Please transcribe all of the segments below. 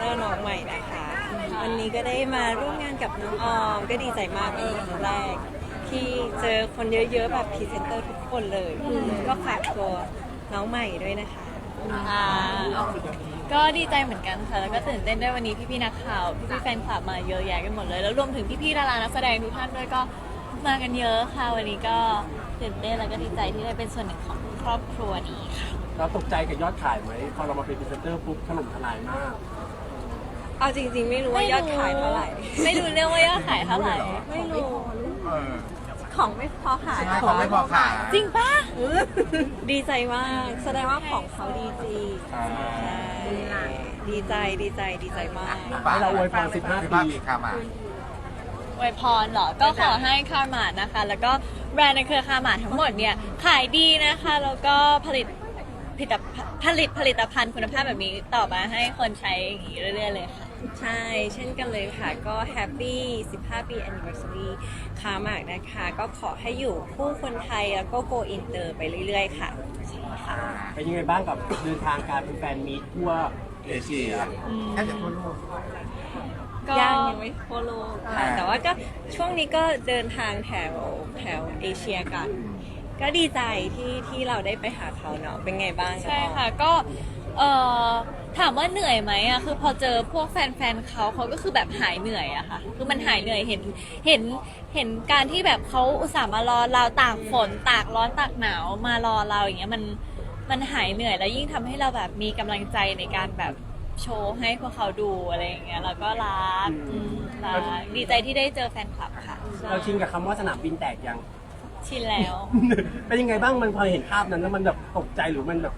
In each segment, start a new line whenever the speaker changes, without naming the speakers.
ตอร์น้องใหม่นะคะวันนี้ก็ได้มาร่วมงานกับน้องออมก็ดีใจมากเป็นครั้งแรกที่เจอคนเยอะๆแบบพรีเซนเตอร์ทุกคนเลยก็ฝากตัวน้องใหม่ด้วยนะคะ
ก็ดีใจเหมือนกันค่ะแล้วก็ตื่นเต้นด้วยวันนี้พี่ๆนักข่าวพี่ๆแฟนคลับมาเยอะแยะกันหมดเลยแล้วรวมถึงพี่ๆดารานักแสดงทุกท่านด้วยก็มากันเยอะค่ะวันนี้ก็ตื่นเต้นแล้วก็ดีใจที่ได้เป็นส่วนหนึ่งของครอบครัวนี้ค่ะ
เราตกใจกับยอดขายไหมพอเรามาเป็นพรีเซนเตอร์ปุ๊บถล่มทลายมาก
เอาจริงๆไม่รู้ว่ายอดขายเท่าไหร่
ไม่รู้เรื่องว่ายอดขายเท่าไหร่
ไม่รู้
เออ
ของไม่พอขาย
ของไม่พอขาย
จริงปะ
ดีใจมากแสดงว่าของเขาดีจริงใช่ดีใจมาก
ให้เราอวยพร15 ปี
ค่ะมา
อวยพรเหรอก็ขอให้คาร์มาดนะคะแล้วก็แบรนด์ในเครือคาร์มาดทั้งหมดเนี่ยขายดีนะคะแล้วก็ผลิตผลิตภัณฑ์คุณภาพแบบนี้ต่อมาให้คนใช้อย่างนี้เรื่อยๆเลยค่ะ
ใช่ เช่นกันเลยค่ะ ก็แฮปปี้15 ปี anniversary ค้ามากนะคะ ก็ขอให้อยู่คู่คนไทยแล้วก็ go inter ไปเรื่อยๆค่ะ
เป็นยังไงบ้างกับเดินทางการเป็นแฟนมีตทั่ว
เอเชียแทบจะทั่วโลก
ก็
ยังไม่ทั่วโลกค่ะแต่ว่าก็ช่วงนี้ก็เดินทางแถวเอเชียกัน ก็ดีใจที่เราได้ไปหาเขาเนาะ เป็นไงบ้าง
ใช่ค่ะก็ถามว่าเหนื่อยไหมอะคือพอเจอพวกแฟนๆเขาก็คือแบบหายเหนื่อยอะค่ะคือมันหายเหนื่อยเห็นการที่แบบเขาอุตส่าห์มารอเราตากฝนตากร้อนตากหนาวมารอเราอย่างเงี้ยมันหายเหนื่อยแล้วยิ่งทำให้เราแบบมีกำลังใจในการแบบโชว์ให้พวกเขาดูอะไรอย่างเงี้ยแล้วก็รักดีใจที่ได้เจอแฟนคลับค่ะ
เราชินกับคำว่าสนามบินแตกยัง
ชินแล้ว
เป็นยังไงบ้างมันพอเห็นภาพนั้นแล้วมันแบบตกใจหรือมันแบบ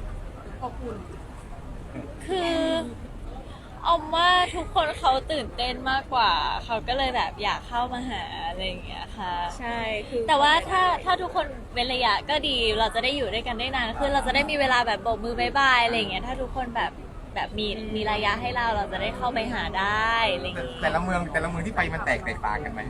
คือเอาว่าทุกคนเขาตื่นเต้นมากกว่า เขาก็เลยแบบอยากเข้ามาหาอะไรอย่างเงี้ยค่ะ
ใช่คือ
แต่ว่าถ้าทุกคนเว้นระยะก็ดีเราจะได้อยู่ด้วยกันได้นานขึ้นเราจะได้มีเวลาแบบโบกมือบายบายอะไรอย่างเงี้ยถ้าทุกคนแบบมีระยะให้เราจะได้เข้าไปหาได้อะไรอย่างเงี้ย
แต่ละเมืองที่ไปมันแตกต่างกันไหม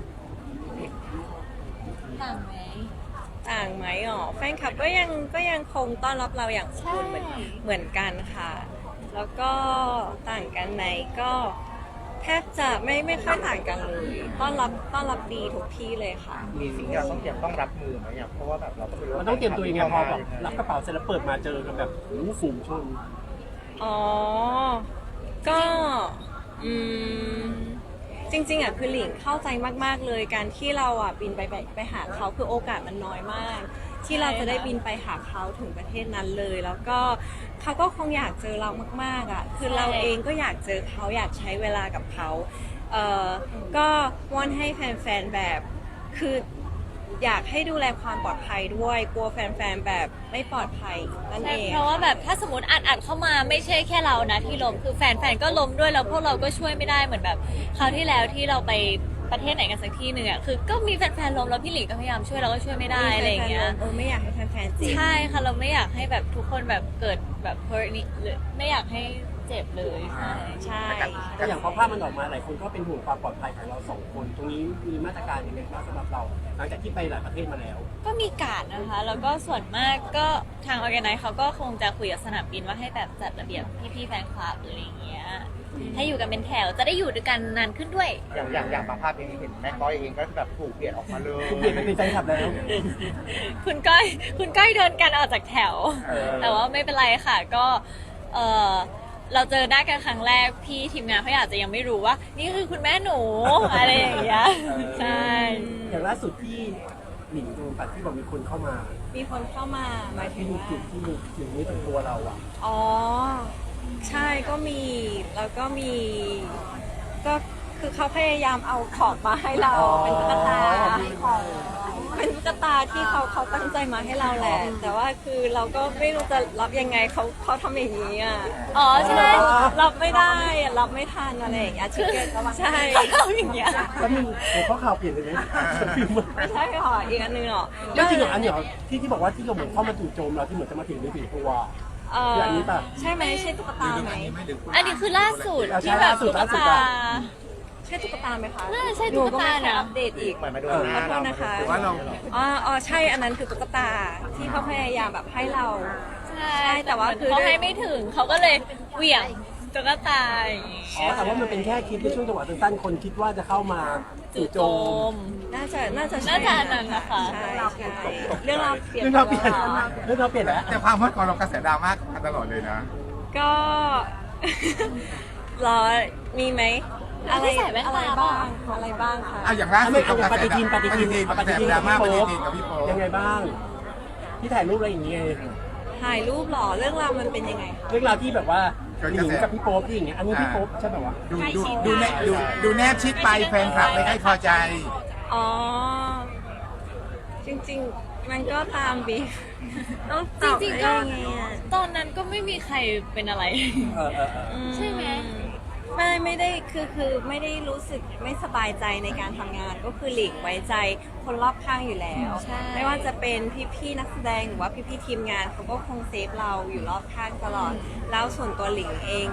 ต่างไหม
ต่างไหมอ๋อแฟนคลับก็ยังคงต้อนรับเราอย่างอบอุ่นเหมือนกันค่ะ แล้วก็ต่างกันไหมก็แทบจะไม่ค่อยต่างกันเลยต้อนรับดีทุกที่เลยค่ะ
มีสิ่งที่เราต้องรับมือไหมอ่ะเพราะว่าแบบเราก็ไม่รู้
มันต้องเตรียมตัวยังไงพอแบบรับกระเป๋าเสร็จแล้วเปิดมาเจอกันแบบโอ้โหฝูงชน
อ๋อ ก็จริงๆอ่ะคือหลิงเข้าใจมากๆเลยการที่เราอ่ะบินไปหาเขาคือโอกาสมันน้อยมาก ที่เราจะได้บินไปหาเขาถึงประเทศนั้นเลย แล้วก็เขาก็คงอยากเจอเรามากๆอ่ะคือเราเองก็อยากเจอเขาอยากใช้เวลากับเขาก็วอนให้แฟนๆแบบคืออยากให้ดูแลความปลอดภัยด้วยกลัวแฟนๆแบบไม่ปลอดภัยนั่น
ใช่
เอง
เพราะว่าแบบถ้าสมมติอัดเข้ามาไม่ใช่แค่เรานะที่ล้มคือแฟนก็ล้มด้วยแล้วพวกเราก็ช่วยไม่ได้เหมือนแบบคราวที่แล้วที่เราไปประเทศไหนกันสักที่หนึ่งอ่ะคือก็มีแฟนล้มแล้วพี่หลิงก็พยายามช่วยเราก็ช่วยไม่ได้อะไรอย่างเงี้ย
ไม่อยากให้แฟนๆเจ็บ
ใช่ค่ะเราไม่อยากให้แบบทุกคนแบบเกิดแบบ hurt นี่หรือไม่อยากให้เจ็บเลยใช่
ใช่
แต่อย่างพอภาพมันออกมาหลายคนก็เป็นห่วงความปลอดภัยของเราสองคนตรงนี้มีมาตรการยังไงบ้างสำหรับเราหลังจากที่ไปหลายประเทศมาแล้ว
ก็มีการดนะคะ แล้วก็ส่วนมากก็ทาง organize เขาก็คงจะคุยกับสนามบินว่าให้แบบจัดระเบียบพี่ๆแฟนคลับหรืออะไรอย่างเงี้ยให้อยู่กันเป็นแถวจะได้อยู่ด้วยกันนานขึ้นด้วย
อย่างบางภาพเองเห็นแม่ก้อยเองก็แบบถูกเปลี่ยนออกมาเลย
เปลี่ยนไปเป็นแฟนคลับแล้ว
คุณก้อยเดินกันออกจากแถว แต่ว่าไม่เป็นไรค่ะก็เออเราเจอหน้ากันครั้งแรกพี่ทีมงานเขาอาจจะยังไม่รู้ว่า นี่คือคุณแม่หนู อะไรอย่างเงี้ยใช่
อย่างล่าสุดที่หนิงโดนตัดที่บอกมีคนเข้ามา
มีคนเข้ามาหมายถึ
ที่
ง
ดู
ว่า
จุดที่ถึงนี้ถึงตัวเราอ่ะ
อ๋อ ใช่ก็มี แล้วก็มี ก็คือเขาพยายามเอาของมาให้เรา เป็นตุ๊กตาเป็นตุ๊กตาที่เขาตั้งใจมาให้เราแหละ แต่ว่าคือเราก็ไม่รู้จะรับยังไงเขาทำอย่างนี้อ่ะ
อ๋อใช่
รับไม่ได้อะรับไม่ทันอะไรอย่างเงี้ยชิคเก้นใช่
เขาทำอย่างเงี้ย
แล้วมีหัวข้อข่าวเปลี่ยนเลยไหม
ไม่ใช่หรออีกอันนึงหรอ
ก็จริงเหรออันนี้เหรอที่บอกว่าที่เราเหมือนเข้ามาจู่โจมเราที่เหมือนจะมาถึงในถึงตัว คืออันนี้ป่ะ
ใช่ไหมใช่ตุ๊กตาไหม
อันนี้คือล่าสุด
เอาใช่
ที่แบบ
ล่าสุด
ตุ๊ก
ล่าสุด
ตา
อะ
ใช่ตุ๊กตาไหมคะ
น่าจะใช่ตุ๊กตา
หนู
นะ
ไม่ค่อยอัปเดตอีก
เหมือนมาโดน
ขอโทษนะคะ
หรือว่าเรา
อ๋อใช่อันนั้นคือตุ๊กตาที่เขาพยายามแบบให้เรา
ใช่
แต่ว่าคือ
เขาให้ไม่ถึงเขาก็เลยเหวี่ยงตุ๊กตาอย่างงี้
อ๋อแต่ว่ามันเป็นแค่คลิปในช่วงจังหวะสั้นๆคนคิดว่าจะเข้ามาจู่โจม
น่าจะใช่
น่าจะอันนั้นนะคะ
ใช่ใช่เรื่องราวเปลี่ยน
เรื่องเราเปลี่ยนเรื่องเราเปลี่ยนแล้ว
แต่ความฮอตของเรากระแสดราม่ามาตลอดเลยนะ
ก็ รอมีไหมอะไร
ไม่ใส่แว่นตา
อะไรบ้างอะไรบ้างคะ
เอาอย่างล่าสุ
ไม่
ด
เอาอย่างปฏิทิน
ปฏิทินกระแสดราม่าปฏิทินกับพี่โป๊
ยังไงบ้าง ที่ถ่ายรูปอะไรอย่างเงี้ย
ถ่ายรูปเหรอเรื่องราวมันเป็นยังไงคะ
เรื่องราวที่แบบว่าหญิงกับพี่โป๊ปที่อย่างเงี้ยอันนี้พี่โป๊ปใช่แบบว่า
ดูแนบชิดไปแฟนคลับไม่ให้พอใจ
อ๋อ จริงๆ มันก็ตามบีฟต้องตอบ
จริงๆก็
ได้ไงอะ
ตอนนั้นก็ไม่มีใครเป็นอะไร ใช่ไหม
ไม่ได้คือไม่ได้รู้สึกไม่สบายใจในการทำงานก็คือหลีกไว้ใจคนรอบข้างอยู่แล้ว
ใช่
ไม่ว่าจะเป็นพี่ๆนักแสดงหรือว่าพี่ๆทีมงานเขาก็คงเซฟเราอยู่รอบข้างตลอด แล้วส่วนตัวหลิงเอง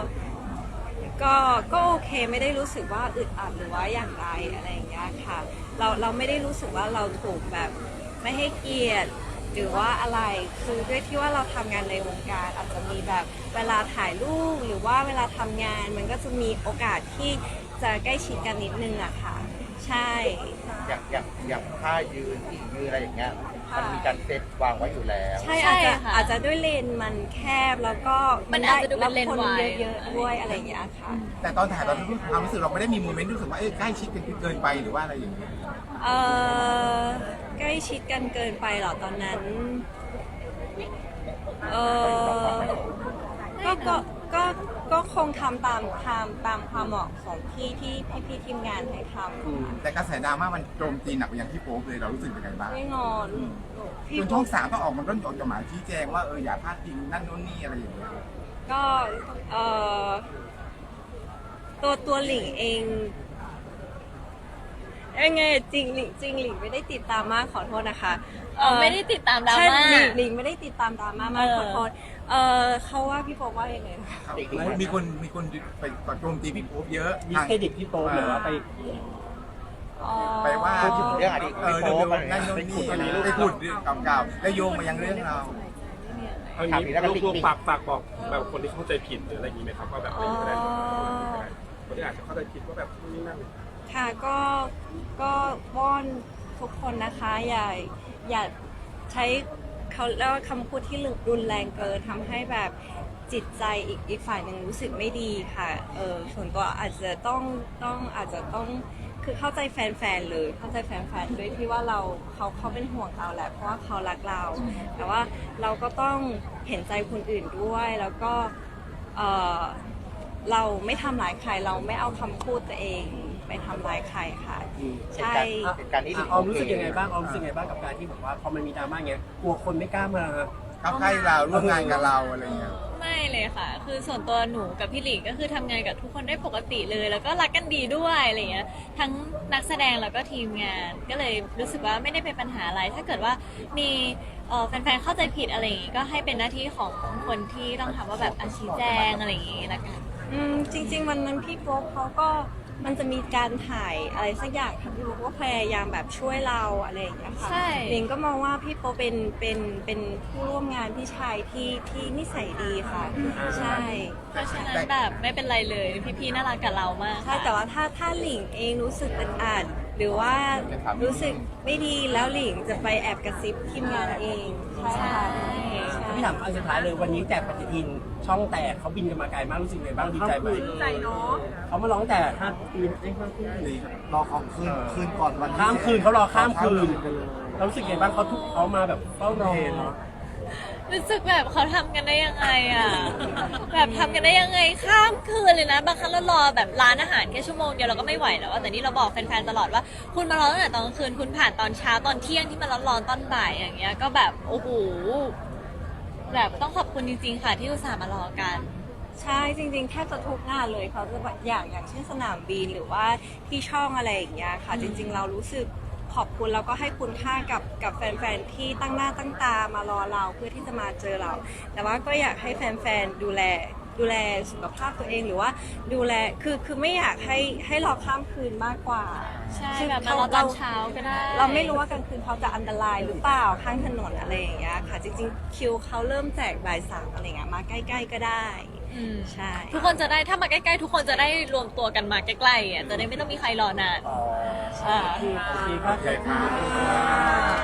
ก็โอเคไม่ได้รู้สึกว่าอึดอัดหรือว่าอย่างไรอะไรอย่างเงี้ยค่ะเราไม่ได้รู้สึกว่าเราถูกแบบไม่ให้เกียรติหรือว่าอะไรคือด้วยที่ว่าเราทำงานในวงการอาจจะมีแบบเวลาถ่ายรูปหรือว่าเวลาทำงานมันก็จะมีโอกาสที่จะใกล้ชิดกันนิดนึงอะค่ะ ใช่
อย่างท่ายืนที่ยืนอะไรอย่างเงี้ยมันมีการเซตวางไว้อยู่แล้ว
ใช่
ใช่
อาจจะ
ค่ะ
ด้วยเลนมันแคบแล้วก็
มันอาจจะดูเป็นเลน
รับคน
วาย
เยอะๆด้วยอะไรอย่างเงี้ยค่ะ
แต่ตอนถ่ายตอนที่ความรู้สึกเราไม่ได้มีโมเมนต์รู้สึกว่าใกล้ชิดกันเกินไปหรือว่าอะไรอย่างเงี้ย
เออใกล้ชิดกันเกินไปเหรอตอนนั้น เออก็คงทำตามความเหมาะสมที่พี่ทีมงานให้ทำ
แต่กระแสดราม่ามันโจมตีหนักไปอย่างที่โป๊ปเลยเรารู้สึกยังไงบ้าง
ไม่งอนพี่
จนช่อง3ต้องออกมาต้นจดหมายชี้แจงว่าอย่าพลาดพิงนั่นโน่นนี่อะไรอย่างเงี้ย
ก็เออตัวหลิงเองยังไงจริงหลิงไม่ได้ติดตามมากขอโทษนะคะ
ไม่ได้ติดตามดรา
ใช่
ม่า
หลิงไม่ได้ติดตามดราม่ามาก
เออ
ขอโทษเขาว่าพี่โป๊ปว่ายังไงนะคะ
มีคนไปโจมตีพี่โป๊ปเยอะ
ดิสเครดิตพี่โป๊ปหรือว่าไป
ไปว่า
พูดถึงเรื่องอดีตพี่โป๊ป
เรื่องนั่นโน่นนี่ไปพูดเรื่องเก่าๆแล้วโยงมายังเรื่องเรา
เอาอย่างนี้ลูกๆฝากบอกแบบคนที่เข้าใจผิดหรืออะไรอย่างนี้ไหมครับว่าแบบไม่มีอะไรคนที่อาจจะเข้าใจผิดว่าแบบนี่นั่น
ค่ะก็วอนทุกคนนะคะอย่าใช้เขาเรียกว่าคำพูดที่รุนแรงเกินทำให้แบบจิตใจอีกฝ่ายหนึ่งรู้สึกไม่ดีค่ะส่วนตัวอาจจะต้องคือเข้าใจแฟนๆเลยเข้าใจแฟนๆด้วยที่ว่าเขาเป็นห่วงเราแหละเพราะว่าเขารักเรา แต่ว่าเราก็ต้องเห็นใจคนอื่นด้วยแล้วก็เราไม่ทำร้ายใครเราไม่เอาคำพูดตัวเองไปทำร้ายใครค่ะ ใช่
เหตุการณ์นี้
ออมรู้สึกยังไงบ้างออมรู้สึกยังไงบ้างกับการที่แบบว่าพอมันมีดราม่าเงี้ยกลัวคนไม่กล้ามา
เข้าใกล้เราร่วมงานกับเราอะไรอย่างเงี้ย
ไม่เลยค่ะ คือส่วนตัวหนูกับพี่หลิงก็คือทำงานกับทุกคนได้ปกติเลย แล้วก็รักกันดีด้วยอะไรเงี้ย ทั้งนักแสดงแล้วก็ทีมงาน ก็เลยรู้สึกว่าไม่ได้เป็นปัญหาอะไร ถ้าเกิดว่ามีแฟนๆเข้าใจผิดอะไรอย่างงี้ก็ให้เป็นหน้าที่ของคนที่ต้องทำว่าแบบชี้แจงอะไรอย่างงี้ละกัน
จริงๆวันนั้นพี่โป๊ปเขาก็มันจะมีการถ่ายอะไรสักอย่างค่ะพี่โป๊ปก็พยายามแบบช่วยเราอะไรอย่างเงี้ยค่ะ
ใช่
หลิงก็มองว่าพี่โป๊ปเป็นผู้ร่วมงานพี่ชายที่นิสัยดีค่ะ ใช่
เพราะฉะนั้นแบบไม่เป็นไรเลย พี่ๆน่ารักกับเรามาก
ใช่แต่ว่าถ้าหลิงเองรู้สึกอึดอัดหรือว่ารู้สึกไม่ดีแล้วหลิงจะไปแอบกระซิบทีมงานเองใช่ค่ะใช่
พี่ถามอันสุดท้ายเลยวันนี้แจกปฏิทินช่องแตกเขาบินกันมาไกลมากรู้สึกยังไงบ้างดีใจไหมดีใจเนาะเขามาร้องแต่5 ปี5 ปี
รอของคืนก่อนวัน
ข้ามคืนเขารอข้ามคืนเรารู้สึกยังไงบ้างเขามาแบบเฝ้ารอ
รู้สึกแบบเขาทำกันได้ยังไงอ่ะ แบบทำกันได้ยังไงข้ามคืนเลยนะ บางครั้งเรารอแบบร้านอาหารแค่ชั่วโมงเดียวเราก็ไม่ไหวแล้วอะแต่นี่เราบอกแฟนๆตลอดว่าคุณมารอตั้งแต่ตอนกลางคืนคุณผ่านตอนเช้าตอนเที่ยงที่มันร้อนๆตอนบ่ายอย่างเงี้ยก็แบบโอ้โหแบบต้องขอบคุณจริงๆค่ะที่อุตส่าห์มารอกัน
ใช่จริงๆแทบจะทุกงานเลยเขาจะแบบอย่างเช่นสนามบินหรือว่าที่ช่องอะไรอย่างเงี้ยค่ะ จริง ๆ เรารู้สึกขอบคุณแล้วก็ให้คุณค่ากับแฟนๆที่ตั้งหน้าตั้งตามารอเราเพื่อที่จะมาเจอเรา แต่ว่าก็อยากให้แฟนๆดูแลสุขภาพตัวเองหรือว่าดูแลคือไม่อยากให้รอข้ามคืนมากกว่า
ใช่
คือ
แบบมารอตอนเช้าก็ได้
เราไม่รู้ว่ากลางคืนเขาจะอันตรายหรือเปล่าข้างถนนอะไรอย่างเงี้ยค่ะ จริงๆคิวเขาเริ่มแจกบ่าย 3อะไรเงี้ยมาใกล้ๆก็ได้ใช่
ทุกคนจะได้ถ้ามาใกล้ๆทุกคนจะได้รวมตัวกันมาใกล้ๆอ่ะจะได้ไม่ต้องมีใครรอนาน
อ๋อ
อ่า
โอเคครับ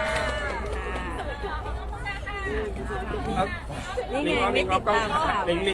นี่ไงไม่ติดตามข่าว
ลิง